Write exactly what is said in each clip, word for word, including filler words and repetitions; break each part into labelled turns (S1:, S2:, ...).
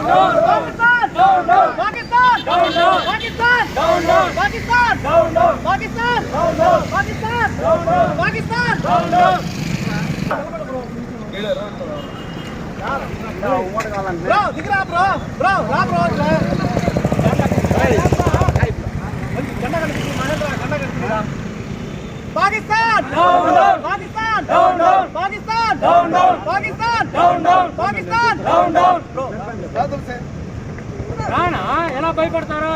S1: దిగరా bro bro రా bro Pakistan Pakistan Pakistan Pakistan Pakistan రానా ఎలా భయపడతారా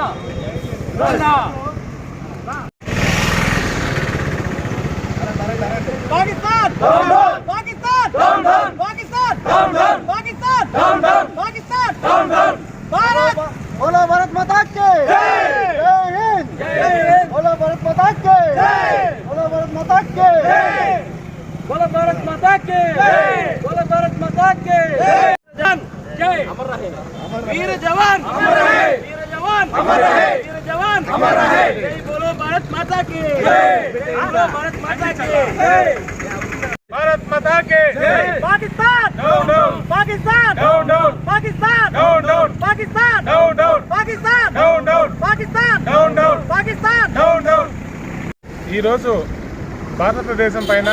S1: పాకిస్తాన్ పాకిస్తాన్ పాకిస్తాన్ పాకిస్తాన్ పాకిస్తాన్ భారత్ बोलो भारत माता की जय हिंद जय हिंद बोलो भारत माता की जय बोलो भारत माता की जय बोलो भारत माता की जय बोलो भारत माता की जय जय अमर रहे वीर जवान अमर रहे वीर जवान अमर रहे वीर जवान अमर रहे जय बोलो भारत माता की जय बोलो भारत माता की जय भारत माता की जय Pakistan down down Pakistan down down Pakistan down down Pakistan down down Pakistan down down Pakistan down down Pakistan down down ఈ రోజు భారతదేశం పైన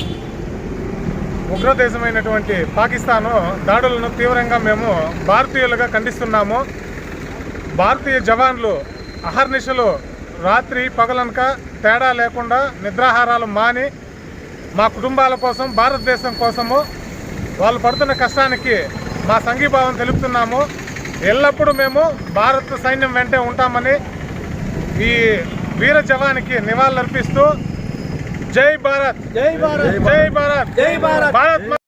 S1: ఉగ్రదేశమైనటువంటి పాకిస్తాన్ దాడులను తీవ్రంగా మేము భారతీయులుగా ఖండిస్తున్నాము. భారతీయ జవాన్లు అహర్నిశలు రాత్రి పగలనక తేడా లేకుండా నిద్రాహారాలు మాని మా కుటుంబాల కోసం భారతదేశం కోసము వాళ్ళు పడుతున్న కష్టానికి మా సంఘీభావం తెలుపుతున్నాము. ఎల్లప్పుడూ మేము భారత సైన్యం వెంటే ఉంటామని ఈ వీర జవానికి నివాళులర్పిస్తూ జై భారత్ జై భారత్ జై భారత్ జై భారత్ భారత్